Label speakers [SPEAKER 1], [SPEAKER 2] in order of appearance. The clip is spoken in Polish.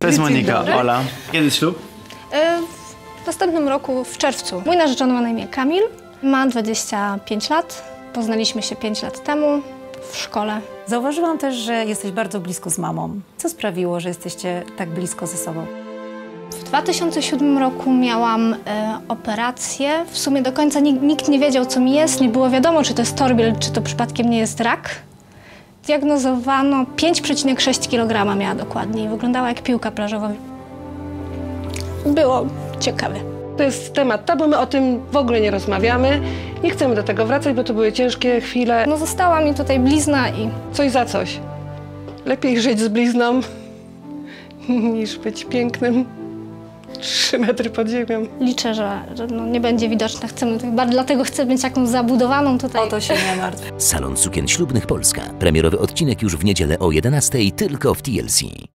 [SPEAKER 1] jest Monika, Ola. Kiedy ślub?
[SPEAKER 2] W następnym roku, w czerwcu. Mój narzeczony ma na imię Kamil, ma 25 lat. Poznaliśmy się 5 lat temu w szkole.
[SPEAKER 3] Zauważyłam też, że jesteś bardzo blisko z mamą. Co sprawiło, że jesteście tak blisko ze sobą?
[SPEAKER 2] W 2007 roku miałam operację. W sumie do końca nikt nie wiedział, co mi jest. Nie było wiadomo, czy to jest torbiel, czy to przypadkiem nie jest rak. Diagnozowano 5,6 kg miała dokładnie i wyglądała jak piłka plażowa. Było ciekawe.
[SPEAKER 4] To jest temat tabu, my o tym w ogóle nie rozmawiamy. Nie chcemy do tego wracać, bo to były ciężkie chwile.
[SPEAKER 2] No została mi tutaj blizna i...
[SPEAKER 4] Coś za coś. Lepiej żyć z blizną, niż być pięknym 3 metry pod ziemią.
[SPEAKER 2] Liczę, że no nie będzie widoczna. Dlatego chcę mieć jakąś zabudowaną tutaj.
[SPEAKER 3] O to się nie martw.
[SPEAKER 5] Salon Sukien Ślubnych Polska. Premierowy odcinek już w niedzielę o 11:00 tylko w TLC.